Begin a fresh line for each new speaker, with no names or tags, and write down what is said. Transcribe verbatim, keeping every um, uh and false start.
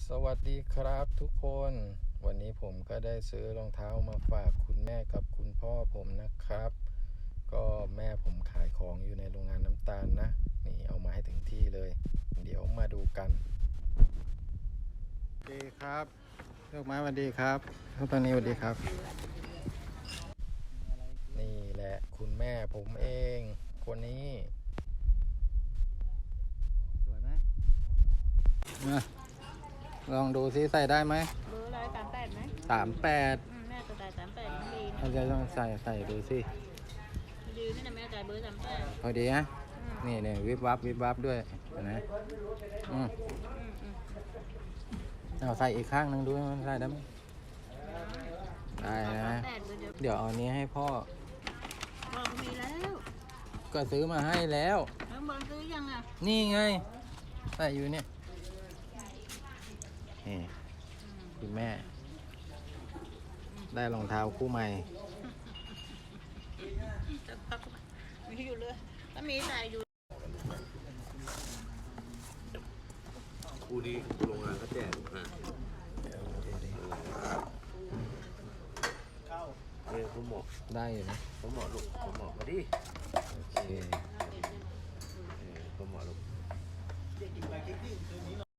สวัสดีครับทุกคนวันนี้ผมก็ได้ซื้อรองเท้ามาฝากคุณแม่กับคุณพ่อผมนะครับ ก็แม่ผมขายของอยู่ในโรงงานน้ำตาลนะนี่เอามาให้ถึงที่เลย เดี๋ยวมาดูกันสวัสดีครับลูกไม้สวัสดีครับทุกตอนนี้สวัสดีครับ นี่แหละคุณแม่ผมเองคนนี้สวยไหมมาลองดูซิใส่ได้ไหม
เบอร์อะไรสามแปดไหม
สามแปด
อืมแม่จะจ่ายสามแปดมันดี
เราจะต้องใส่ใส่ดูสิ
ดีนี่นะแม่จ่ายเบอร์สามแปด
พอดีนะนี่เนี่ยวิบวับวิบวับด้วยนะอืมเอาใส่อีกข้างหนึ่งดูมันใส่ได้ไหมได้นะเดี๋ยวเอานี้ให้พ่อ
บอกมีแล้ว
ก็ซื้อมาให้แล้ว
แล้วบอลซื้อยังอ่ะ
นี่ไงใส่อยู่เนี่ยนี่คุณแม่ได้รองเท้าคู่ใหม่
มีอยู่เลยถ้ามีใส่อยู่
คู่นี้โรงงานเขาแจกนะเนี่ยผมบอก
ได้อยู่นะ
ผมบอกลูกผมบอกมาดิ
โอเค
ผมบอกลูก